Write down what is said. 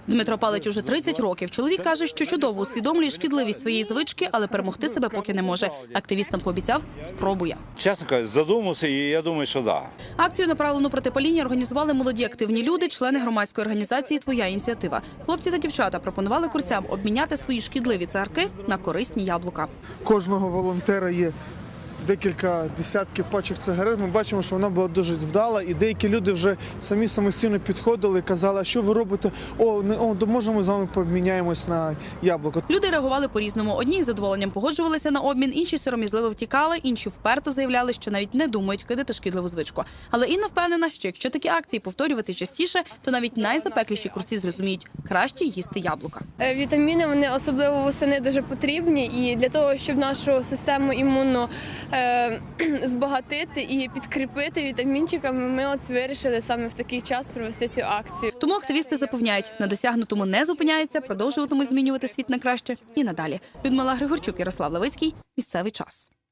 Дмитро палить уже 30 років. Чоловік каже, що чудово усвідомлює шкідливість своєї звички, але перемогти себе поки не може. Активістам пообіцяв – спробує. Чесно кажучи, задумався, і я думаю, що так. Акцію, направлену проти паління, організували молоді активні люди, члени громадської організації «Твоя ініціатива». Хлопці та дівчата пропонували курцям обміняти свої шкідливі цигарки на корисні яблука. Кожного волонтера є декілька десятків пачок цигарет. Ми бачимо, що вона була дуже вдала, і деякі люди вже самі самостійно підходили і казали, а що ви робите? Може ми з вами поміняємось на яблуко. Люди реагували по-різному. Одні із задоволенням погоджувалися на обмін, інші сором'язливо втікали, інші вперто заявляли, що навіть не думають кидати шкідливу звичку. Але Інна впевнена, що якщо такі акції повторювати частіше, то навіть найзапекліші курці зрозуміють – краще їсти яблука. Вітаміни, вони особливо восени дуже потрібні, і для того, щоб нашу систему імунну збагатити і підкріпити вітамінчиками, ми вирішили саме в такий час провести цю акцію. Тому активісти запевняють, на досягнутому не зупиняються, продовжуватимуть змінювати світ на краще і надалі. Людмила Григорчук, Ярослав Левицький. Місцевий час.